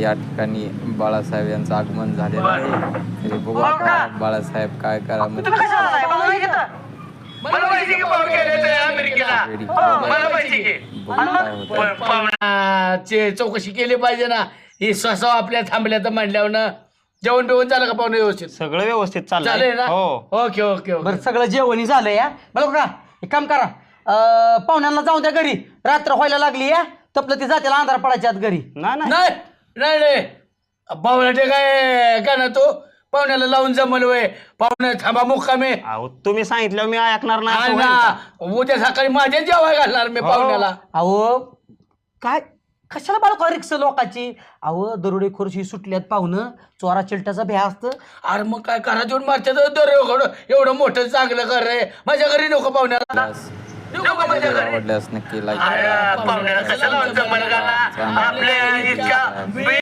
या ठिकाणी बाळासाहेब यांचं आगमन झालेलं आहे. तरी बघू आता बाळासाहेब काय करा चौकशी केली पाहिजे ना. ही स्वसाव आपल्या थांबल्या तर म्हणल्यावर ना. जेवण बिवण झालं का पाहुणे व्यवस्थित? सगळं व्यवस्थित चालेल चाललंय ना. हो. ओके ओके बरं सगळं जेवणी झालं या बरं का. एक काम करा पाहुण्यांना जाऊन द्या घरी. रात्र व्हायला लागली या तपलं ती जाते अंधार पडायच्या आत घरी. नाही नाही नाही नाही पाहुण्याचे काय का ना तो पाहुण्याला लावून जमल वय. पाहुणे थांबा मुक्कामे. अहो तुम्ही सांगितलं मी ऐकणार नाही नाही असं होईल का? ना. उद्या सकाळी माझ्या जेवाय घालणार मी पाहुण्याला. अहो काय कशाला बाळका रिक्स लोकांची. अहो दरोडे खोरशी सुटल्यात पाहुणं चोरा चिलट्याचा भ्या असतं. अरे मग काय करा जेवण मारतात एवढं मोठं चांगलं कर रे. माझ्या घरी नको पाहुण्याला. नको माझ्या घरी. आवडल्यास नक्की लाईक पाहुण्याला कशाला लावून जमल का ना. आपल्या इतका